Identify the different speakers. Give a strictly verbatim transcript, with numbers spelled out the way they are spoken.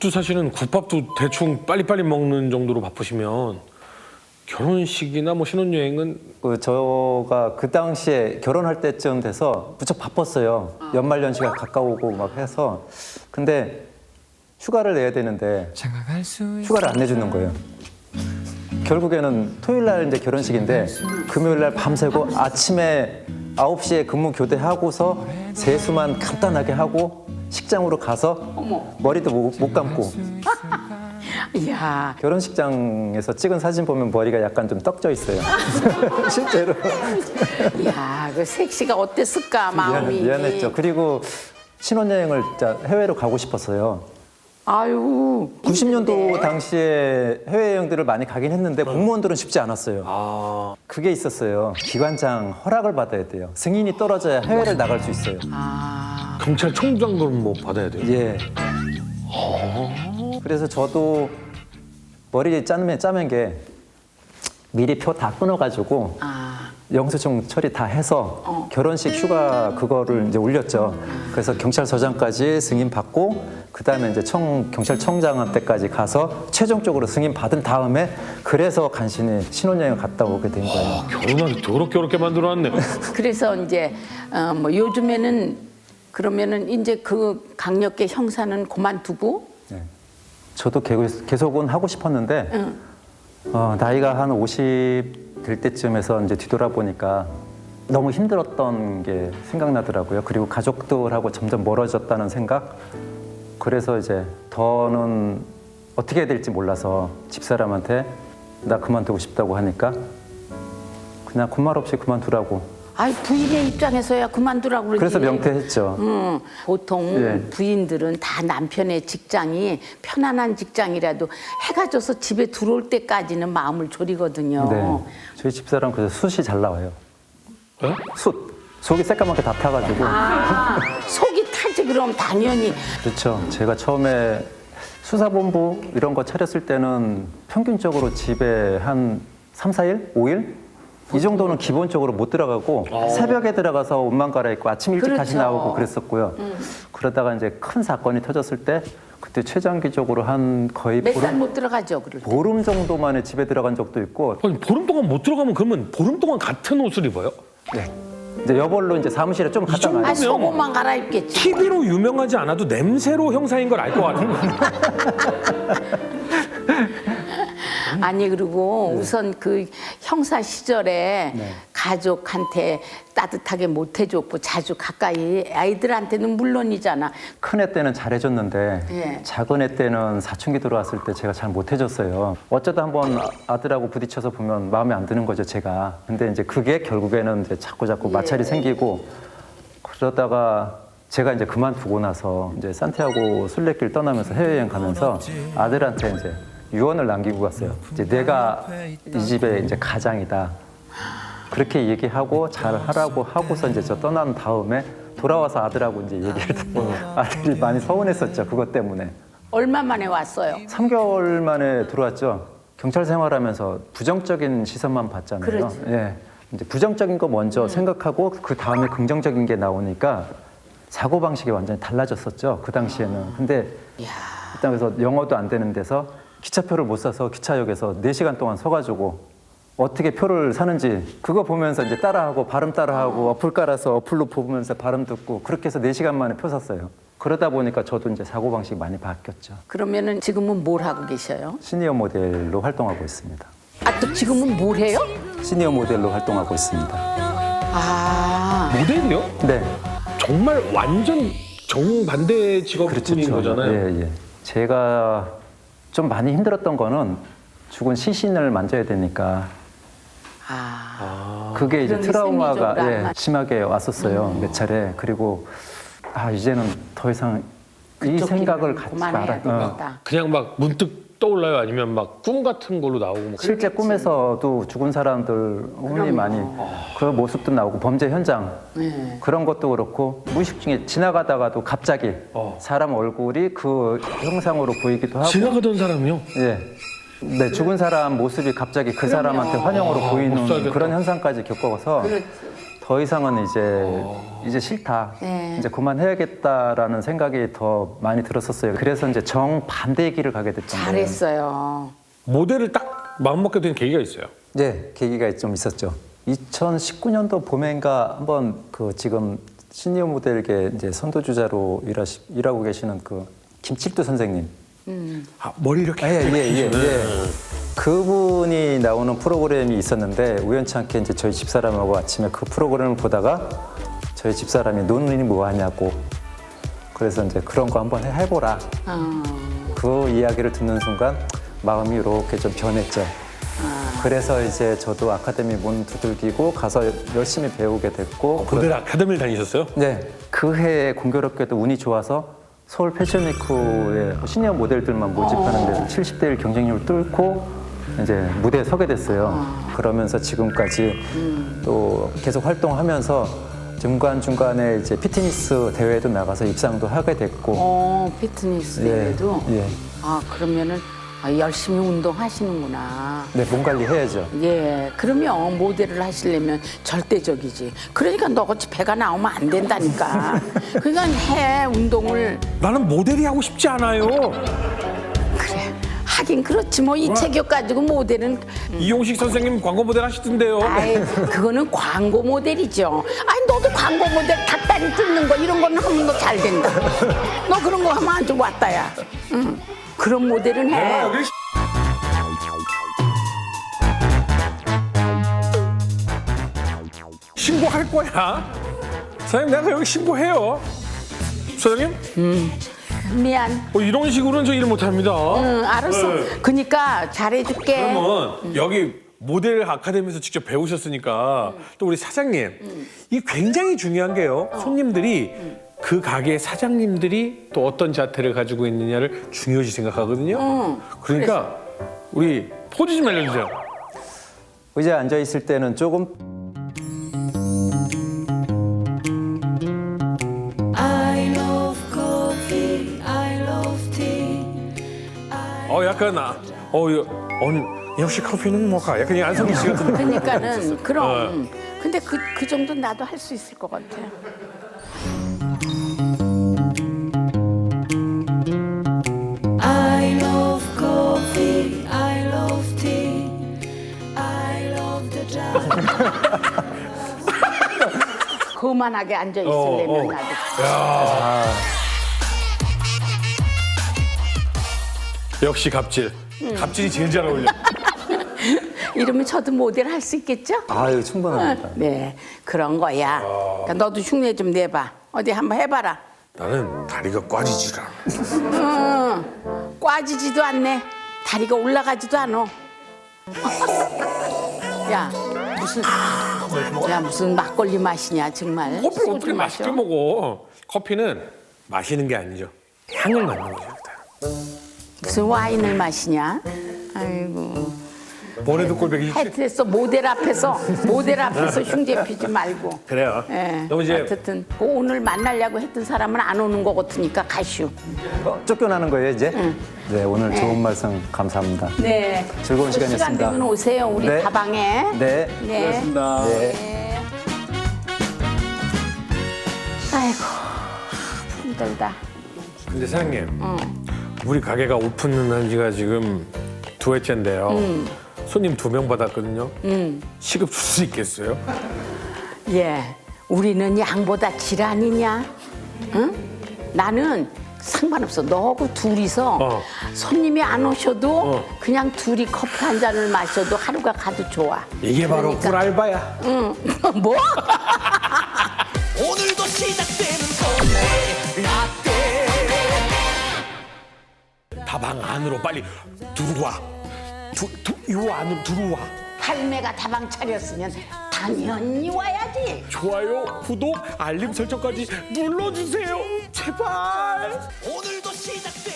Speaker 1: 집도 사실은 국밥도 대충 빨리빨리 먹는 정도로 바쁘시면 결혼식이나 뭐 신혼여행은
Speaker 2: 그 저가 그 당시에 결혼할 때쯤 돼서 무척 바빴어요. 연말연시가 가까우고 막 해서. 근데 휴가를 내야 되는데 휴가를 안 내주는 거예요. 결국에는 토요일 날 이제 결혼식인데 금요일 날 밤새고 아침에 아홉 시에 근무 교대하고서 세수만 간단하게 하고 식장으로 가서 머리도 못, 못 감고
Speaker 3: 이야,
Speaker 2: 결혼식장에서 찍은 사진 보면 머리가 약간 좀 떡져 있어요. 실제로.
Speaker 3: 이야, 그 섹시가 어땠을까
Speaker 2: 미안,
Speaker 3: 마음이.
Speaker 2: 미안했죠. 그리고 신혼여행을 진짜 해외로 가고 싶었어요.
Speaker 3: 아유.
Speaker 2: 구십 년도
Speaker 3: 힘든데.
Speaker 2: 당시에 해외여행들을 많이 가긴 했는데 공무원들은 쉽지 않았어요.
Speaker 1: 아
Speaker 2: 그게 있었어요. 기관장 허락을 받아야 돼요. 승인이 떨어져야 해외를 나갈 수 있어요.
Speaker 3: 아,
Speaker 1: 경찰청장도 뭐 받아야 돼요.
Speaker 2: 예. 그래서 저도 머리 짜면 짜면 게 미리 표 다 끊어가지고
Speaker 3: 아,
Speaker 2: 영수증 처리 다 해서 결혼식 휴가 그거를 이제 올렸죠. 그래서 경찰서장까지 승인 받고 그 다음에 이제 청 경찰청장한테까지 가서 최종적으로 승인 받은 다음에 그래서 간신히 신혼여행 갔다 오게 된 거예요.
Speaker 1: 결혼하기 더럽게 어렵게 만들어놨네.
Speaker 3: 그래서 이제 어, 뭐 요즘에는 그러면은 이제 그 강력계 형사는 그만두고.
Speaker 2: 네. 저도 계속- 계속은 하고 싶었는데
Speaker 3: 응.
Speaker 2: 어, 나이가 한 오십 될 때쯤에서 이제 뒤돌아보니까 너무 힘들었던 게 생각나더라고요. 그리고 가족들하고 점점 멀어졌다는 생각. 그래서 이제 더는 어떻게 해야 될지 몰라서 집사람한테 나 그만두고 싶다고 하니까 그냥 군말 없이 그만두라고.
Speaker 3: 아이, 부인의 입장에서야 그만두라고 그러지.
Speaker 2: 그래서 명퇴했죠.
Speaker 3: 음, 보통
Speaker 2: 예.
Speaker 3: 부인들은 다 남편의 직장이 편안한 직장이라도 해가 져서 집에 들어올 때까지는 마음을 졸이거든요.
Speaker 2: 네. 저희 집사람 그래서 숯이 잘 나와요.
Speaker 1: 어?
Speaker 2: 숯. 속이 새까맣게 다 타가지고.
Speaker 3: 아, 속이 타지 그럼 당연히.
Speaker 2: 그렇죠. 제가 처음에 수사본부 이런 거 차렸을 때는 평균적으로 집에 한 삼, 사 일? 오 일? 이 정도는 기본적으로 못 들어가고 새벽에 들어가서 옷만 갈아입고 아침 일찍 다시
Speaker 3: 그렇죠.
Speaker 2: 나오고 그랬었고요. 그러다가 이제 큰 사건이 터졌을 때 그때 최장기적으로 한 거의
Speaker 3: 몇 살
Speaker 2: 보름,
Speaker 3: 못 들어가죠, 그럴 때.
Speaker 2: 보름 정도 만에 집에 들어간 적도 있고
Speaker 1: 아니 보름 동안 못 들어가면 그러면 보름 동안 같은 옷을 입어요?
Speaker 2: 네. 이제 여벌로 이제 사무실에 좀 갔다
Speaker 1: 정도-
Speaker 2: 가요.
Speaker 3: 아, 속옷만 갈아입겠지.
Speaker 1: 티비로 유명하지 않아도 냄새로 형사인 걸 알 것 같아요.
Speaker 3: 아니 그리고
Speaker 2: 네.
Speaker 3: 우선 그 형사 시절에 가족한테 따뜻하게 못 해줬고 자주 가까이 아이들한테는 물론이잖아.
Speaker 2: 큰 애 때는 잘해줬는데
Speaker 3: 예.
Speaker 2: 작은 애 때는 사춘기 들어왔을 때 제가 잘 못해줬어요. 어쩌다 한번 아들하고 부딪혀서 보면 마음에 안 드는 거죠, 제가. 근데 이제 그게 결국에는 이제 자꾸 자꾸 마찰이 생기고 그러다가 제가 이제 그만두고 나서 이제 산티아고 순례길 떠나면서 해외여행 가면서 아들한테 이제 유언을 남기고 갔어요. 이제 내가 이 집의 이제 가장이다. 그렇게 얘기하고 잘 하라고 하고서 이제 저 떠난 다음에 돌아와서 아들하고 이제 얘기를 듣고 아들이 많이 서운했었죠. 그것 때문에.
Speaker 3: 얼마 만에 왔어요?
Speaker 2: 삼 개월 만에 들어왔죠. 경찰 생활하면서 부정적인 시선만 봤잖아요.
Speaker 3: 그렇지.
Speaker 2: 예. 이제 부정적인 거 먼저 생각하고 그 다음에 긍정적인 게 나오니까 사고 방식이 완전히 달라졌었죠. 그 당시에는. 근데 일단 그래서 영어도 안 되는 데서 기차표를 못 사서 기차역에서 네 시간 동안 서가지고 어떻게 표를 사는지 그거 보면서 이제 따라하고 발음 따라하고 어플 깔아서 어플로 보면서 발음 듣고 그렇게 해서 네 시간 만에 표 샀어요. 그러다 보니까 저도 이제 사고방식이 많이 바뀌었죠.
Speaker 3: 그러면은 지금은 뭘 하고 계셔요?
Speaker 2: 시니어 모델로 활동하고 있습니다.
Speaker 3: 아, 또 지금은 뭘 해요?
Speaker 2: 시니어 모델로 활동하고 있습니다.
Speaker 3: 아,
Speaker 1: 모델이요?
Speaker 2: 네.
Speaker 1: 정말 완전 정반대
Speaker 2: 그렇죠.
Speaker 1: 직업군인 거잖아요.
Speaker 2: 예, 예. 제가 좀 많이 힘들었던 거는 죽은 시신을 만져야 되니까
Speaker 3: 아,
Speaker 2: 그게 이제
Speaker 3: 그런 게
Speaker 2: 트라우마가
Speaker 3: 심리적으로
Speaker 2: 예,
Speaker 3: 안 맞-
Speaker 2: 심하게 왔었어요. 몇 차례. 그리고 아 이제는 더 이상 이
Speaker 3: 그쪽
Speaker 2: 생각을
Speaker 3: 길은
Speaker 2: 갖지
Speaker 3: 그만해야
Speaker 2: 말아. 어.
Speaker 3: 되겠다.
Speaker 1: 그냥 막 문득 떠올라요? 아니면 막 꿈 같은 걸로 나오고 뭐
Speaker 2: 실제 꿈에서도 죽은 사람들 운이
Speaker 3: 그럼요.
Speaker 2: 많이 그 모습도 나오고 범죄 현장
Speaker 3: 네.
Speaker 2: 그런 것도 그렇고 무의식 중에 지나가다가도 갑자기
Speaker 1: 어.
Speaker 2: 사람 얼굴이 그 형상으로 보이기도 하고
Speaker 1: 지나가던 사람이요?
Speaker 2: 예. 네, 죽은 사람 모습이 갑자기 그 사람한테 환영으로
Speaker 1: 아, 못
Speaker 2: 보이는
Speaker 1: 살겠다.
Speaker 2: 그런 현상까지 겪어서
Speaker 3: 그렇지.
Speaker 2: 더 이상은 이제 이제 싫다.
Speaker 3: 네.
Speaker 2: 이제 그만해야겠다라는 생각이 더 많이 들었었어요. 그래서 이제 정반대의 길을 가게 됐던 거예요.
Speaker 3: 잘했어요.
Speaker 1: 모델을 딱 마음먹게 된 계기가 있어요.
Speaker 2: 네, 계기가 좀 있었죠. 이천십구 년도 봄엔가 한번 그 지금 시니어 모델계 이제 선도주자로 일하시, 일하고 계시는 그 김칠두 선생님.
Speaker 1: 아, 머리 이렇게.
Speaker 2: 아, 예, 예, 예, 예. 그분이 나오는 프로그램이 있었는데 우연치 않게 이제 저희 집사람하고 아침에 그 프로그램을 보다가 저희 집사람이 논문이 뭐 하냐고 그래서 이제 그런 거 한번 해- 해보라.
Speaker 3: 어.
Speaker 2: 그 이야기를 듣는 순간 마음이 이렇게 좀 변했죠. 그래서 이제 저도 아카데미 문 두들기고 가서 열심히 배우게 됐고
Speaker 1: 모델 아카데미를 다니셨어요?
Speaker 2: 네, 그 해에 공교롭게도 운이 좋아서 서울 패션위크에 시니어 모델들만 모집하는 데서 칠십 대 일 경쟁률을 뚫고 이제 무대에 서게 됐어요. 그러면서 지금까지 또 계속 활동하면서 중간중간에 이제 피트니스 대회도 나가서 입상도 하게 됐고
Speaker 3: 어, 피트니스
Speaker 2: 예,
Speaker 3: 대회도.
Speaker 2: 예.
Speaker 3: 아, 그러면은 아, 열심히 운동하시는구나.
Speaker 2: 네, 몸 관리 해야죠.
Speaker 3: 예, 그러면 모델을 하시려면 절대적이지. 그러니까 너같이 배가 나오면 안 된다니까. 그러니까 해 운동을.
Speaker 1: 나는 모델이 하고 싶지 않아요.
Speaker 3: 그래. 하긴 그렇지 뭐 이 체격 가지고 모델은
Speaker 1: 이용식 선생님 광고 모델 하시던데요.
Speaker 3: 아이 그거는 광고 모델이죠. 아니 너도 광고 모델 닭다리 뜯는 거 이런 거는 하면 너 잘 된다. 너 그런 거 하면 아주 왔다야. 응. 그런 모델은 해.
Speaker 1: 아, 여기 신고할 거야. 사장님 내가 여기 신고해요. 사장님?
Speaker 3: 미안.
Speaker 1: 어, 이런 식으로는 저 일 못합니다.
Speaker 3: 응, 알았어.
Speaker 1: 네.
Speaker 3: 그러니까 잘해줄게.
Speaker 1: 그러면 여기 모델 아카데미에서 직접 배우셨으니까 또 우리 사장님 이 굉장히 중요한 게요. 손님들이 그 가게 사장님들이 또 어떤 자태를 가지고 있느냐를 중요시 생각하거든요. 그러니까 우리 포즈 좀 알려주세요.
Speaker 2: 의자에 앉아 있을 때는 조금
Speaker 4: I love coffee, I love tea.
Speaker 1: 어 약간 아, 어, 여- 어 역시 커피는 뭐가 약간 이 안성기 씨 같은.
Speaker 3: 그러니까는 그럼. 근데 그, 그 정도 나도 할 수 있을 것 같아.
Speaker 4: I love coffee, I love tea. I love the jazz.
Speaker 3: 거만하게 앉아
Speaker 1: 어, 어.
Speaker 3: 있으려면 나도.
Speaker 1: 역시 갑질. 갑질이 제일 잘 어울려.
Speaker 3: 이러면 저도 모델 할 수 있겠죠?
Speaker 2: 아유 충분합니다.
Speaker 3: 네, 그런 거야. 그러니까 너도 흉내 좀 내봐. 어디 한번 해봐라.
Speaker 1: 나는 다리가 꽈지질 않아.
Speaker 3: 응, 꽈지지도 않네. 다리가 올라가지도 않어. 야, 무슨, 야, 무슨 막걸리 맛이냐, 정말.
Speaker 1: 커피
Speaker 3: 소주
Speaker 1: 어떻게 맛있게
Speaker 3: 마셔?
Speaker 1: 먹어? 커피는 마시는 게 아니죠. 향을 맡는 거죠.
Speaker 3: 무슨 와인을 마시냐? 아이고.
Speaker 1: 뭐래도 꼴배기 싫지?
Speaker 3: 하여튼했어 모델 앞에서 모델 앞에서 흉제 피지 말고.
Speaker 1: 그래요.
Speaker 3: 예.
Speaker 1: 너무 이제
Speaker 3: 어쨌든 그 오늘 만나려고 했던 사람은 안 오는 것 같으니까 가시오.
Speaker 2: 어, 쫓겨나는 거예요 이제? 네, 오늘 좋은 말씀 감사합니다.
Speaker 3: 네.
Speaker 2: 즐거운
Speaker 3: 또
Speaker 2: 시간이었습니다.
Speaker 3: 시간 되면 오세요 우리
Speaker 2: 네.
Speaker 3: 다방에.
Speaker 2: 네.
Speaker 3: 네.
Speaker 1: 고맙습니다.
Speaker 2: 네.
Speaker 3: 네. 아이고 힘들다.
Speaker 1: 근데 사장님, 우리 가게가 오픈한 지가 지금 두 회째인데요. 손님 두 명 받았거든요. 시급 줄 수 있겠어요?
Speaker 3: 예, 우리는 양보다 질 아니냐? 응? 나는 상관없어. 너하고 둘이서
Speaker 1: 어.
Speaker 3: 손님이 안 오셔도
Speaker 1: 어.
Speaker 3: 그냥 둘이 커피 한 잔을 마셔도 하루가 가도 좋아.
Speaker 1: 이게 바로
Speaker 3: 그러니까.
Speaker 1: 꿀알바야.
Speaker 3: 응. 뭐?
Speaker 5: 오늘도 시작되는 오늘의 라떼
Speaker 1: 다방 안으로 빨리 들어와. 두, 두, 요 안으로 들어와.
Speaker 3: 할매가 다방 차렸으면 당연히 와야지.
Speaker 1: 좋아요, 구독, 알림 설정까지 눌러주세요. 제발.
Speaker 5: 오늘도 시작되는